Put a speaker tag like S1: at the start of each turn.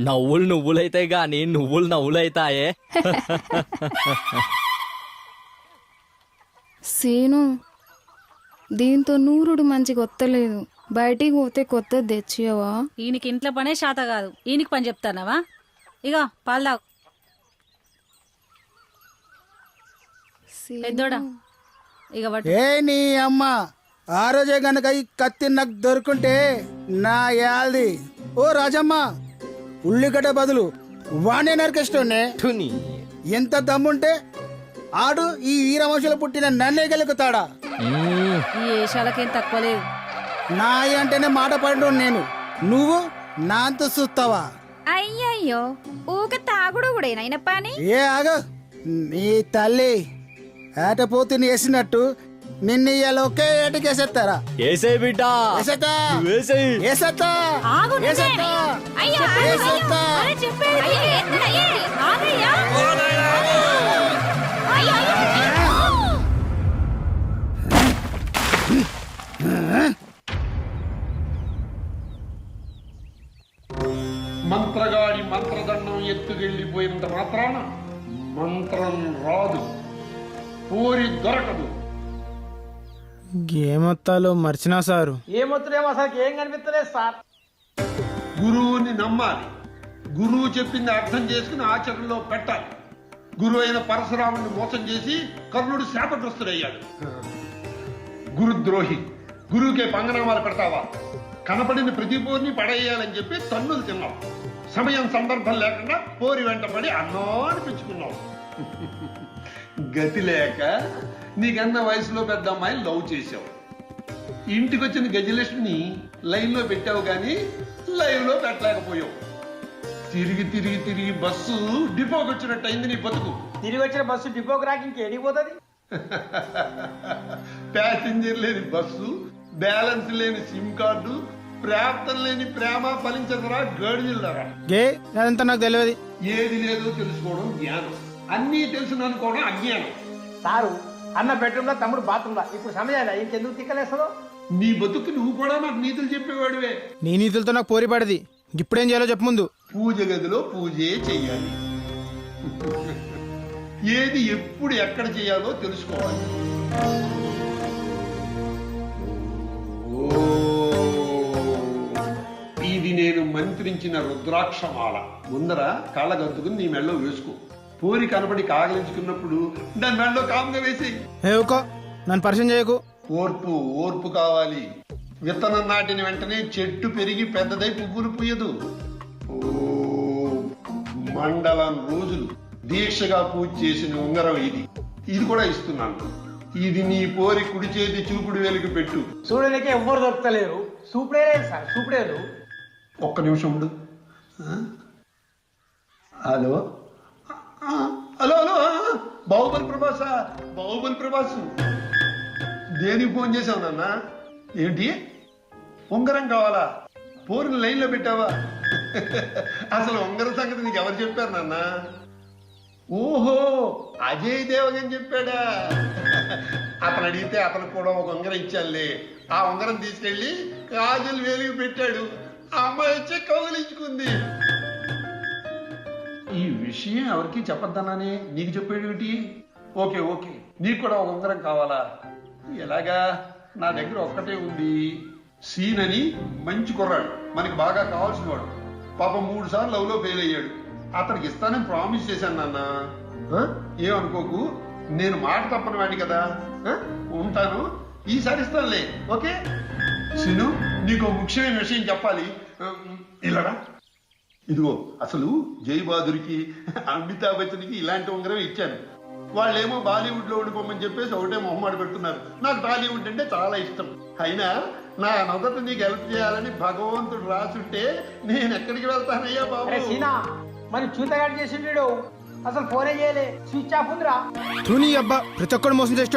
S1: నవ్వులు నువ్వులైతే గాని నువ్వులు నవ్వులైతాయే.
S2: సీను దీంతో నూరుడు మంచిగా వత్తలేదు. బయటికి పోతే కొత్తది తెచ్చియవా?
S3: ఈయనకి ఇంట్లో పనే శాత కాదు, ఈయనకి పని చెప్తానవా? ఇగో పాలు తాగు. పెద్దోడా ఇక
S4: ఏ నీ అమ్మ ఆ రోజే గనక ఈ కత్తి నాకు దొరుకుంటే నా యాది. ఓ రాజమ్మ, ఉల్లిగడ్డ బదులు వాణ్ణే నరికేస్తుండే. ఎంత దమ్ముంటే ఆడు ఈ వీరవంశంలో పుట్టిన నన్నే గెలుకుతాడా?
S3: ఈ ఏషాలకేం తక్కువ లేదు.
S4: నాయ అంటేనే మాట పడు నేను, నువ్వు నాంత చూస్తావా?
S5: అయ్యయ్యో ఊక తాగుడు కూడా అయిన పని.
S4: ఏ ఆగ నీ తల్లి ఏటపోతుని వేసినట్టు నిన్ను ఇవాళ ఒకే ఏటకేసేస్తారా?
S1: ఏసే బిడ్డ
S4: వేసేస్తా
S1: వేసేయ్.
S4: వేసేస్తా
S3: ఆగు నువ్వే.
S4: వేసేస్తా
S3: అయ్యో,
S4: వేసేస్తా.
S3: అరే చెప్పేది. ఆగయ్యా.
S6: మంత్రగాడి మంత్రదండం ఎత్తుకెళ్ళిపోయినంత మాత్రాన మంత్రం రాదు, పూరి దొరకదు.
S4: ఏమొత్తాలో మర్చినా సారు.
S7: ఏమొత్తులేమో అసలు ఏం కనిపిస్తలేదు సార్.
S6: గురువుని నమ్మాలి, గురువు చెప్పింది అర్థం చేసుకుని ఆచరణలో పెట్టాలి. గురువు అయిన పరశురాముని మోసం చేసి కర్ణుడు శాపగ్రస్తుడయ్యాడు. గురుద్రోహి, గురువుకే పంగనామాలు పెడతావా? కనపడిన ప్రతి పోరిని పడేయాలని చెప్పి తన్నులు తిన్నావు. సమయం సందర్భం లేకుండా పోరి వెంట పడి అన్నాన్ని పెంచుకున్నావు. గతి లేక నీకన్న వయసులో పెద్ద అమ్మాయిని లవ్ చేసావు. ఇంటికి వచ్చిన గజలక్ష్మిని లైన్ లో పెట్టావు కానీ లైవ్ లో పెట్టలేకపోయావు. తిరిగి తిరిగి తిరిగి బస్సు డిపోకి వచ్చినట్టు అయింది నీ బతుకు.
S7: తిరిగి వచ్చిన బస్సు డిపోకి రాకి ఇంకేడిపోతుంది.
S6: ప్యాసింజర్ లేని బస్సు, బ్యాలెన్స్ లేని సిమ్ కార్డు, ప్రాప్తం లేని ప్రేమ ఫలించదరా గడిజిల్లరా.
S4: అదంతా నాకు తెలియదు.
S6: ఏది లేదో తెలుసుకోవడం జ్ఞానం, అన్నీ తెలుసు అనుకోవడం అజ్ఞానం.
S7: సారు అన్న బెడ్రూమ్ లో తమ్ముడు బాత్రూమ్ లో ఇప్పుడు సమయాన్ని ఇంకెందుకు తిక్కలేస్తుందో.
S6: నీ బతుకు నువ్వు కూడా నాకు నీతులు చెప్పేవాడివే.
S4: నీ నీతులతో నాకు పోరి పడది. ఇప్పుడేం చేయాలో చెప్పు ముందు.
S6: పూజ గదిలో పూజే చెయ్యాలి. ఏది ఎప్పుడు ఎక్కడ చేయాలో తెలుసుకోవాలి. ఇది నేను మంత్రించిన రుద్రాక్షమాల. ముందర కాళ్ళగద్దుకుని నీ మెళ్ళో వేసుకో. పూరి కనబడి కాగలించుకున్నప్పుడు దాని మెళ్ళో కాముగా వేసి.
S4: ఏవుకో నన్ను పరిచయం చేయకు.
S6: ఓర్పు ఓర్పు కావాలి. విత్తనం నాటిన వెంటనే చెట్టు పెరిగి పెద్దదై పువ్వులు పూయదు. మండలం రోజులు దీక్షగా పూజ చేసిన ఉంగరం ఇది. ఇది కూడా ఇస్తున్నాను. ఇది నీ పోరి కుడి చేతి చూపుడు వేలుకు పెట్టు.
S7: చూడడానికి ఎవ్వరు దొరకలేరు. సూపుడే లేదు సార్, సూపుడే లేదు.
S6: ఒక్క నిమిషం ఉండు. Hello hello hello, Baahubali Prabhas, Baahubali Prabhas. దేనికి ఫోన్ చేసావు నాన్న? ఏంటి ఉంగరం కావాలా? పోరుని లైన్లో పెట్టావా? అసలు ఉంగరం సంగతి నీకు ఎవరు చెప్పారు నాన్న? ఓహో, అజయ్ దేవగన్ చెప్పాడా? అతను అడిగితే అతనికి కూడా ఒక ఉంగరం ఇచ్చానులే. ఆ ఉంగరం తీసుకెళ్లి కాజల్ వేలికి పెట్టాడు. ఆ అమ్మాయి వచ్చి కౌగిలించుకుంది. ఈ విషయం ఎవరికి చెప్పొద్దన్నానే నీకు చెప్పేటి? ఓకే ఓకే, నీకు కూడా ఒక ఉంగరం కావాలా? ఎలాగా? నా దగ్గర ఒక్కటే ఉంది. సీన్ అని మంచి కుర్రాడు, మనకి బాగా కావాల్సిన వాడు. పాపం 3 సార్లు లవ్ లో ఫెయిల్ అయ్యాడు. అతనికి ఇస్తానని ప్రామిస్ చేశాను నాన్న. ఏమనుకోకు, నేను మాట తప్పని వాడి కదా. ఉంటాను, ఈసారి ఇస్తానులే. ఓకే సీను, నీకు ముఖ్యమైన విషయం చెప్పాలి. ఇలారా, ఇదిగో అసలు జై బహదూర్కి, అమితాబ్ బచ్చన్కి ఇలాంటి ఉంగరం ఇచ్చాను. వాళ్ళేమో బాలీవుడ్ లో ఉండిపోమని చెప్పేసి ఒకటే మొహమాట పెడుతున్నారు. నాకు టాలీవుడ్ అంటే చాలా ఇష్టం. అయినా నా నొదట నీకు హెల్ప్ చేయాలని భగవంతుడు రాసుంటే నేను ఎక్కడికి వెళ్తానయ్యా బాబు.
S7: సీనా మరి చూతగాడు చేసిండు, అసలు ఫోనే చేయలే, స్విచ్ ఆఫ్ ఉందిరా.
S4: తూని అబ్బా, ప్రతి ఒక్కడు మోసం చేసి